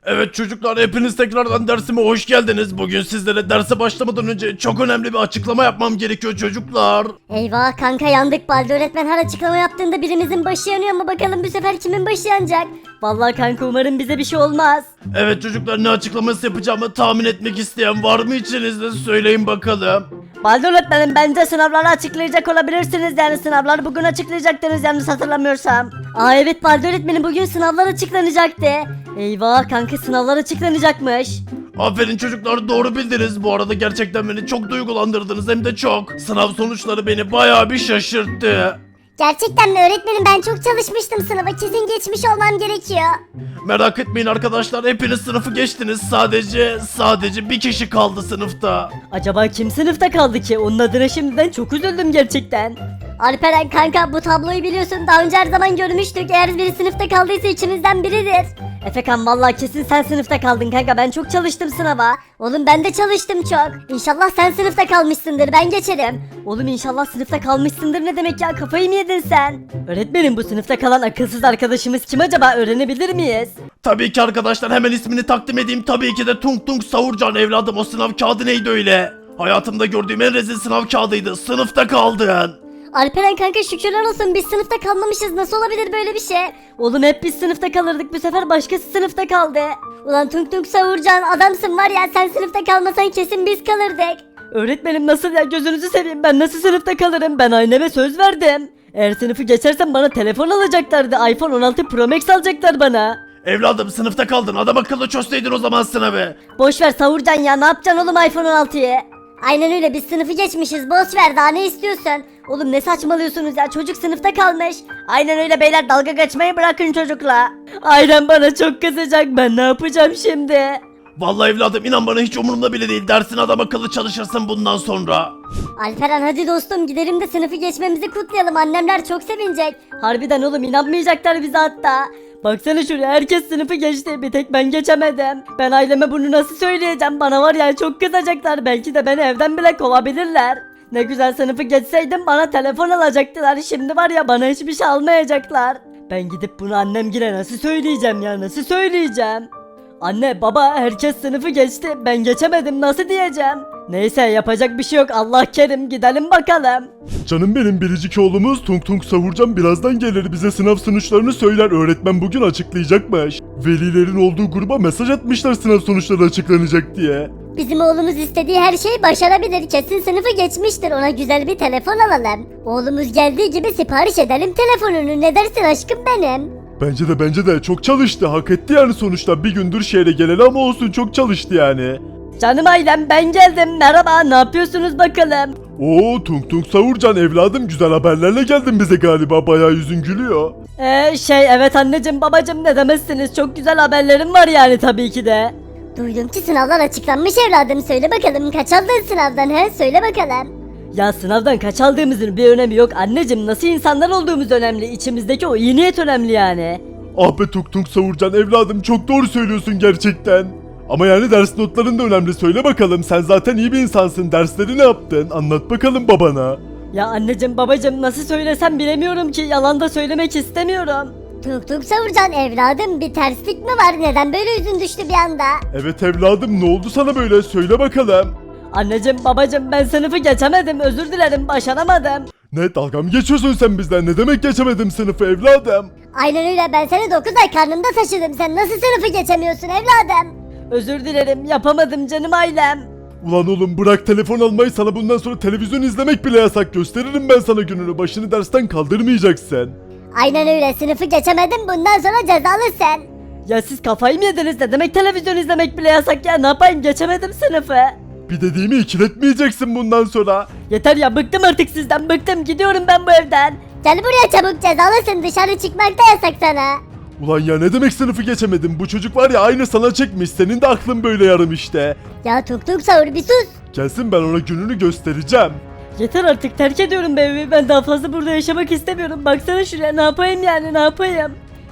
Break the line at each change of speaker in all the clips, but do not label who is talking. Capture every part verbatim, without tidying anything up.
Evet çocuklar, hepiniz tekrardan dersime hoş geldiniz. Bugün sizlere derse başlamadan önce çok önemli bir açıklama yapmam gerekiyor çocuklar.
Eyvah kanka, yandık. Baldi öğretmen her açıklama yaptığında birimizin başı yanıyor ama bakalım bu sefer kimin başı yanacak? Vallahi kanka, umarım bize bir şey olmaz.
Evet çocuklar, ne açıklaması yapacağımı tahmin etmek isteyen var mı içinizde, söyleyin bakalım.
Baldi öğretmenim, bence sınavları açıklayacak olabilirsiniz, yani sınavları bugün açıklayacaktınız yanlış hatırlamıyorsam.
Aa evet, Baldi öğretmenin bugün sınavlar açıklanacaktı. Eyvah kanka, sınavlar açıklanacakmış.
Aferin çocuklar, doğru bildiniz. Bu arada gerçekten beni çok duygulandırdınız, hem de çok. Sınav sonuçları beni bayağı bir şaşırttı.
Gerçekten mi öğretmenim? Ben çok çalışmıştım sınava, kesin geçmiş olmam gerekiyor.
Merak etmeyin arkadaşlar, hepiniz sınıfı geçtiniz. Sadece sadece bir kişi kaldı sınıfta.
Acaba kim sınıfta kaldı ki? Onun adına şimdiden çok üzüldüm gerçekten.
Alperen kanka, bu tabloyu biliyorsun, daha önce her zaman görmüştük. Eğer biri sınıfta kaldıysa içimizden biridir.
Efekan, vallahi kesin sen sınıfta kaldın kanka, ben çok çalıştım sınava.
Oğlum ben de çalıştım çok. İnşallah sen sınıfta kalmışsındır, ben geçerim.
Oğlum inşallah sınıfta kalmışsındır ne demek ya, kafayı mı yedin sen? Öğretmenim, bu sınıfta kalan akılsız arkadaşımız kim acaba, öğrenebilir miyiz?
Tabii ki arkadaşlar, hemen ismini takdim edeyim. Tabii ki de Tung Tung Savurcan evladım. O sınav kağıdı neydi öyle? Hayatımda gördüğüm en rezil sınav kağıdıydı. Sınıfta kaldın.
Alperen kanka, şükürler olsun biz sınıfta kalmamışız. Nasıl olabilir böyle bir şey?
Oğlum hep biz sınıfta kalırdık, bu sefer başkası sınıfta kaldı.
Ulan Tung Tung Savurcan, adamsın var ya, sen sınıfta kalmasan kesin biz kalırdık.
Öğretmenim nasıl ya, gözünüzü seveyim, ben nasıl sınıfta kalırım, ben anneme söz verdim. Eğer sınıfı geçersem bana telefon alacaklardı, iPhone on altı Pro Max alacaklar bana.
Evladım sınıfta kaldın. Adam akıllı çözseydin o zaman sınavı.
Boşver Savurcan ya, ne yapacaksın oğlum iPhone on altıyı?
Aynen öyle, biz sınıfı geçmişiz, boş ver, daha ne istiyorsun?
Oğlum ne saçmalıyorsunuz ya, çocuk sınıfta kalmış. Aynen öyle beyler, dalga geçmeyi bırakın çocukla. Ailem bana çok kızacak, ben ne yapacağım şimdi?
Vallahi evladım, inan bana hiç umurumda bile değil. Dersin adam akıllı çalışırsın bundan sonra.
Alperen hadi dostum, gidelim de sınıfı geçmemizi kutlayalım, annemler çok sevinecek.
Harbiden oğlum, inanmayacaklar bize hatta. Baksana şuraya, herkes sınıfı geçti, bir tek ben geçemedim. Ben aileme bunu nasıl söyleyeceğim, bana var ya çok kızacaklar, belki de beni evden bile kovabilirler. Ne güzel sınıfı geçseydim bana telefon alacaktılar, şimdi var ya bana hiçbir şey almayacaklar. Ben gidip bunu annemgile nasıl söyleyeceğim ya, nasıl söyleyeceğim? Anne baba, herkes sınıfı geçti, ben geçemedim, nasıl diyeceğim? Neyse, yapacak bir şey yok, Allah kerim, gidelim bakalım.
Canım benim, biricik oğlumuz Tung Tung Savurcan birazdan gelir, bize sınav sonuçlarını söyler. Öğretmen bugün açıklayacakmış. Velilerin olduğu gruba mesaj atmışlar sınav sonuçları açıklanacak diye.
Bizim oğlumuz istediği her şeyi başarabilir, kesin sınıfı geçmiştir, ona güzel bir telefon alalım. Oğlumuz geldiği gibi sipariş edelim telefonunu, ne dersin aşkım benim?
Bence de bence de çok çalıştı, hak etti yani sonuçta. Bir gündür şehre geleli ama olsun, çok çalıştı yani.
Canım ailem, ben geldim, merhaba, ne yapıyorsunuz bakalım?
Oo Tung Tung Savurcan evladım, güzel haberlerle geldin bize galiba, bayağı yüzün gülüyor.
Ee, şey evet anneciğim babacığım, ne demezsiniz, çok güzel haberlerim var yani tabii ki de.
Duydum ki sınavlar açıklanmış evladım, söyle bakalım kaç aldın sınavdan, he söyle bakalım.
Ya sınavdan kaç aldığımızın bir önemi yok anneciğim, nasıl insanlar olduğumuz önemli, içimizdeki o iyi niyet önemli yani.
Ah be Tung Tung Savurcan evladım, çok doğru söylüyorsun gerçekten. Ama yani ders notların da önemli, söyle bakalım, sen zaten iyi bir insansın, dersleri ne yaptın, anlat bakalım babana.
Ya anneciğim babacığım, nasıl söylesem bilemiyorum ki, yalan da söylemek istemiyorum.
Tuk tuk Savurcan evladım, bir terslik mi var, neden böyle yüzün düştü bir anda?
Evet evladım, ne oldu sana böyle, söyle bakalım.
Anneciğim babacığım, ben sınıfı geçemedim, özür dilerim, başaramadım.
Ne, dalga mı geçiyorsun sen bizden, ne demek geçemedim sınıfı evladım?
Aynen öyle, ben seni dokuz ay karnımda taşıdım, sen nasıl sınıfı geçemiyorsun evladım?
Özür dilerim, yapamadım canım ailem.
Ulan oğlum, bırak telefon almayı, sana bundan sonra televizyon izlemek bile yasak, gösteririm ben sana gününü, başını dersten kaldırmayacaksın.
Aynen öyle, sınıfı geçemedin, bundan sonra cezalısın.
Ya siz kafayı mı yediniz, ne demek televizyon izlemek bile yasak ya, ne yapayım, geçemedim sınıfı.
Bir dediğimi ikiletmeyeceksin bundan sonra.
Yeter ya, bıktım artık sizden, bıktım, gidiyorum ben bu evden.
Gel buraya çabuk, cezalısın, dışarı çıkmak da yasak sana.
Ulan ya, ne demek sınıfı geçemedim, bu çocuk var ya aynı sana çekmiş, senin de aklın böyle yarım işte.
Ya tuk tuk Savur bir sus.
Gelsin, ben ona gününü göstereceğim.
Yeter artık, terk ediyorum bu evi, ben daha fazla burada yaşamak istemiyorum, baksana şuraya, ne yapayım yani, ne yapayım.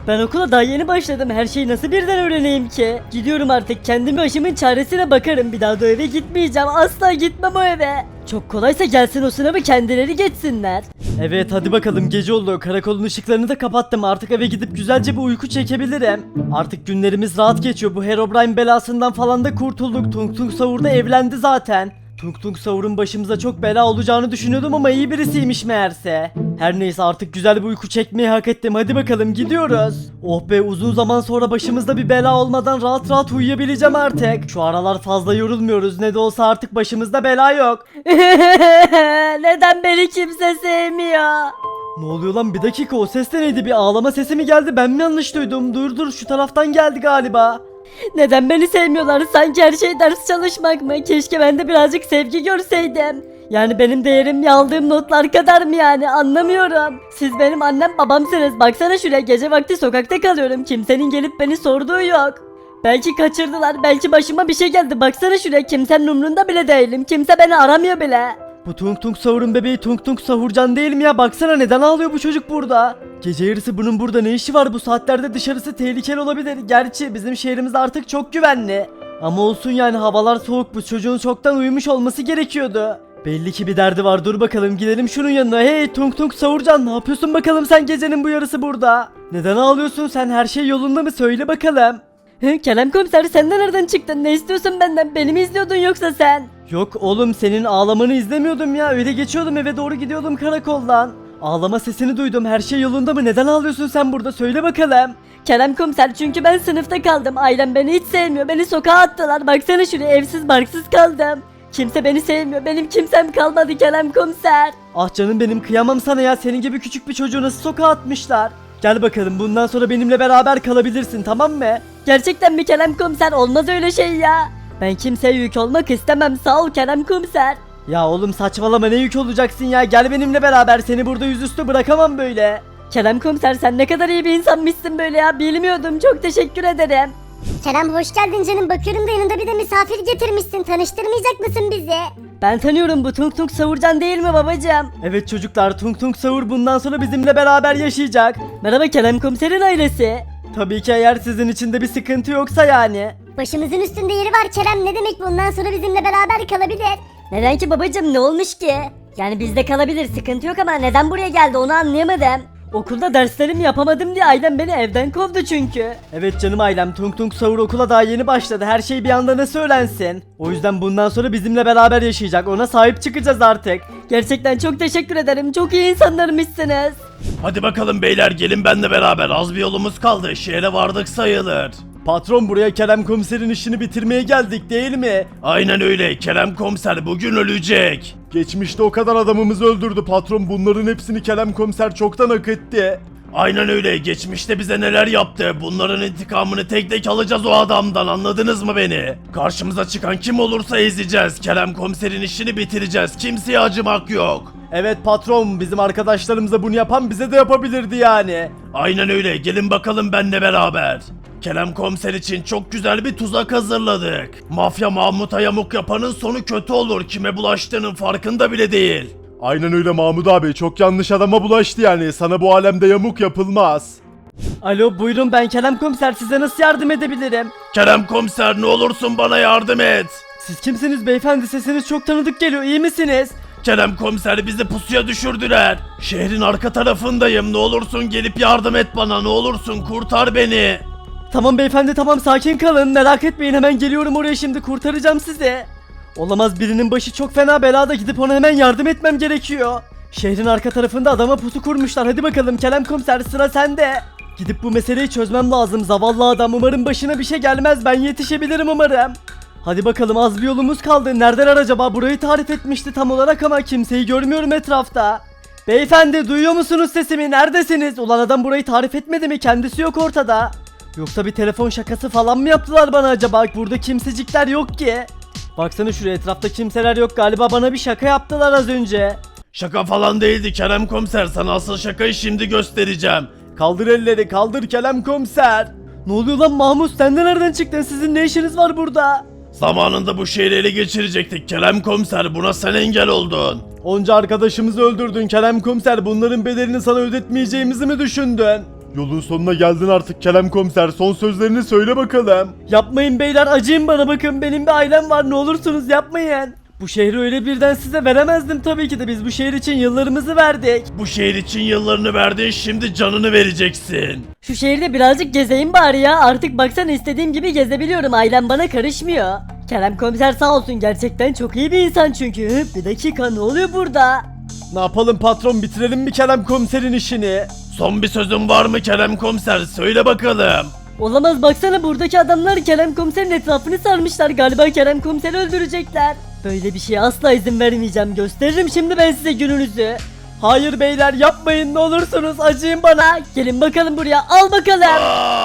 Ben okula daha yeni başladım. Her şeyi nasıl birden öğreneyim ki? Gidiyorum artık. Kendi başımın çaresine bakarım. Bir daha da o eve gitmeyeceğim. Asla gitmem o eve. Çok kolaysa gelsin o sınavı kendileri geçsinler. Evet hadi bakalım gece oldu. Karakolun ışıklarını da kapattım. Artık eve gidip güzelce bir uyku çekebilirim. Artık günlerimiz rahat geçiyor. Bu Herobrine belasından falan da kurtulduk. Tung Tung Savur da evlendi zaten. Tung Tung Savur'un başımıza çok bela olacağını düşünüyordum ama iyi birisiymiş meğerse. Her neyse artık güzel bir uyku çekmeyi hak ettim. Hadi bakalım gidiyoruz. Oh be, uzun zaman sonra başımızda bir bela olmadan rahat rahat uyuyabileceğim artık. Şu aralar fazla yorulmuyoruz. Ne de olsa artık başımızda bela yok. Neden beni kimse sevmiyor? Ne oluyor lan, bir dakika, o ses de neydi? Bir ağlama sesi mi geldi, ben mi yanlış duydum? Dur dur, şu taraftan geldi galiba. Neden beni sevmiyorlar? Sanki her şey ders çalışmak mı? Keşke ben de birazcık sevgi görseydim. Yani benim değerim aldığım notlar kadar mı yani, anlamıyorum. Siz benim annem babamsınız. Baksana şuraya, gece vakti sokakta kalıyorum. Kimsenin gelip beni sorduğu yok. Belki kaçırdılar, belki başıma bir şey geldi. Baksana şuraya, kimsenin umrunda bile değilim. Kimse beni aramıyor bile. Bu Tung Tung Savur'un bebeği Tung Tung Savurcan değil mi ya? Baksana, neden ağlıyor bu çocuk burada? Gece yarısı bunun burada ne işi var? Bu saatlerde dışarısı tehlikeli olabilir. Gerçi bizim şehrimiz artık çok güvenli. Ama olsun yani, havalar soğuk, bu çocuğun çoktan uyumuş olması gerekiyordu. Belli ki bir derdi var. Dur bakalım, gidelim şunun yanına. Hey Tung Tung Savurcan, ne yapıyorsun bakalım sen gecenin bu yarısı burada? Neden ağlıyorsun sen? Her şey yolunda mı? Söyle bakalım. He, Kerem komiser, sen de nereden çıktın? Ne istiyorsun benden? Beni mi izliyordun yoksa sen? Yok oğlum, senin ağlamanı izlemiyordum ya. Öyle geçiyordum, eve doğru gidiyordum karakoldan. Ağlama sesini duydum. Her şey yolunda mı? Neden ağlıyorsun sen burada? Söyle bakalım. Kerem komiser, çünkü ben sınıfta kaldım. Ailem beni hiç sevmiyor. Beni sokağa attılar. Baksana şuraya, evsiz barksız kaldım. Kimse beni sevmiyor. Benim kimsem kalmadı Kerem komiser. Ah canım benim, kıyamam sana ya. Senin gibi küçük bir çocuğu nasıl sokağa atmışlar? Gel bakalım, bundan sonra benimle beraber kalabilirsin, tamam mı? Gerçekten mi Kerem komiser? Olmaz öyle şey ya. Ben kimseye yük olmak istemem, sağ ol Kerem komiser. Ya oğlum saçmalama, ne yük olacaksın ya? Gel benimle beraber, seni burada yüzüstü bırakamam böyle. Kerem komiser, sen ne kadar iyi bir insanmışsın böyle ya, bilmiyordum, çok teşekkür ederim.
Kerem hoş geldin canım. Bakıyorum da yanında bir de misafir getirmişsin. Tanıştırmayacak mısın bizi?
Ben tanıyorum, bu Tung Tung Savurcan değil mi babacığım? Evet çocuklar, Tung Tung Savur bundan sonra bizimle beraber yaşayacak. Merhaba Kerem komiserin ailesi. Tabii ki eğer sizin için de bir sıkıntı yoksa yani.
Başımızın üstünde yeri var Kerem. Ne demek bundan sonra bizimle beraber kalabilir?
Neden ki babacığım, ne olmuş ki? Yani bizde kalabilir, sıkıntı yok ama neden buraya geldi onu anlayamadım. Okulda derslerimi yapamadım diye ailem beni evden kovdu çünkü. Evet canım ailem, Tung Tung Savur okula daha yeni başladı. Her şey bir anda nasıl öğrensin? O yüzden bundan sonra bizimle beraber yaşayacak. Ona sahip çıkacağız artık. Gerçekten çok teşekkür ederim. Çok iyi insanlarmışsınız.
Hadi bakalım beyler, gelin benimle beraber. Az bir yolumuz kaldı. Şehre vardık sayılır.
Patron, buraya Kerem komiserin işini bitirmeye geldik değil mi?
Aynen öyle. Kerem komiser bugün ölecek.
Geçmişte o kadar adamımızı öldürdü patron, bunların hepsini Kerem komiser çoktan hak etti.
Aynen öyle. Geçmişte bize neler yaptı. Bunların intikamını tek tek alacağız o adamdan. Anladınız mı beni? Karşımıza çıkan kim olursa ezeceğiz. Kerem komiserin işini bitireceğiz. Kimseye acımak yok.
Evet patron, bizim arkadaşlarımıza bunu yapan bize de yapabilirdi yani.
Aynen öyle. Gelin bakalım benimle beraber. Kerem komiser için çok güzel bir tuzak hazırladık. Mafya Mahmut'a yamuk yapanın sonu kötü olur. Kime bulaştığının farkında bile değil.
Aynen öyle Mahmut abi, çok yanlış adama bulaştı yani. Sana bu alemde yamuk yapılmaz.
Alo buyurun, ben Kerem komiser, size nasıl yardım edebilirim?
Kerem komiser, ne olursun bana yardım et.
Siz kimsiniz beyefendi, sesiniz çok tanıdık geliyor, iyi misiniz?
Kerem komiser, bizi pusuya düşürdüler. Şehrin arka tarafındayım. Ne olursun gelip yardım et bana. Ne olursun kurtar beni.
Tamam beyefendi, tamam, sakin kalın, merak etmeyin, hemen geliyorum oraya, şimdi kurtaracağım sizi. Olamaz, birinin başı çok fena belada, gidip ona hemen yardım etmem gerekiyor. Şehrin arka tarafında adama pusu kurmuşlar. Hadi bakalım Kerem komiser, sıra sende. Gidip bu meseleyi çözmem lazım. Zavallı adam, umarım başına bir şey gelmez, ben yetişebilirim umarım. Hadi bakalım, az bir yolumuz kaldı. Neredeler acaba? Burayı tarif etmişti tam olarak ama kimseyi görmüyorum etrafta. Beyefendi, duyuyor musunuz sesimi? Neredesiniz? Ulan adam burayı tarif etmedi mi? Kendisi yok ortada. Yoksa bir telefon şakası falan mı yaptılar bana acaba? Burada kimsecikler yok ki. Baksana şuraya, etrafta kimseler yok, galiba bana bir şaka yaptılar az önce.
Şaka falan değildi Kerem komiser. Sana asıl şakayı şimdi göstereceğim.
Kaldır elleri, kaldır Kerem komiser.
Ne oluyor lan Mahmut, sen de nereden çıktın? Sizin ne işiniz var burada?
Zamanında bu şehri ele geçirecektik Kerem komiser. Buna sen engel oldun.
Onca arkadaşımızı öldürdün Kerem komiser, bunların bedelini sana ödetmeyeceğimizi mi düşündün? Yolun sonuna geldin artık Kerem Komiser. Son sözlerini söyle bakalım.
Yapmayın beyler, acıyın bana, bakın benim bir ailem var, ne olursunuz yapmayın. Bu şehri öyle birden size veremezdim tabii ki de, biz bu şehir için yıllarımızı verdik.
Bu şehir için yıllarını verdin, şimdi canını vereceksin.
Şu şehirde birazcık gezeyim bari ya, artık baksana istediğim gibi gezebiliyorum, ailem bana karışmıyor. Kerem Komiser sağ olsun, gerçekten çok iyi bir insan çünkü. Hı, bir dakika, ne oluyor burada?
Ne yapalım patron, bitirelim mi Kerem Komiser'in işini? Son bir sözün var mı Kerem Komiser, söyle bakalım.
Olamaz, baksana buradaki adamlar Kerem Komiser'in etrafını sarmışlar, galiba Kerem Komiser'i öldürecekler. Böyle bir şeye asla izin vermeyeceğim, gösteririm şimdi ben size gününüzü. Hayır beyler, yapmayın ne olursunuz, acıyın bana. Gelin bakalım buraya, al bakalım.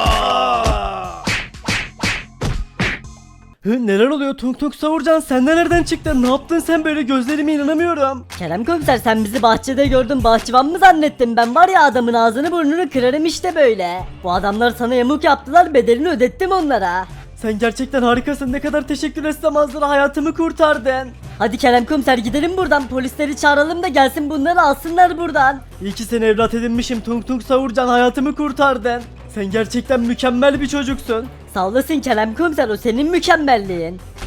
Hı, neler oluyor Tung Tung Savurcan, sen de nereden çıktın, ne yaptın sen böyle, gözlerime inanamıyorum. Kerem Komiser, sen bizi bahçede gördün, bahçıvan mı zannettin, ben var ya adamın ağzını burnunu kırarım işte böyle. Bu adamlar sana yamuk yaptılar, bedelini ödettim onlara. Sen gerçekten harikasın, ne kadar teşekkür etsem azdır, hayatımı kurtardın. Hadi Kerem Komiser, gidelim buradan, polisleri çağıralım da gelsin bunları alsınlar buradan. İyi ki seni evlat edinmişim Tung Tung Savurcan, hayatımı kurtardın. Sen gerçekten mükemmel bir çocuksun. Sağ olasın Kerem Komiser, o senin mükemmelliğin.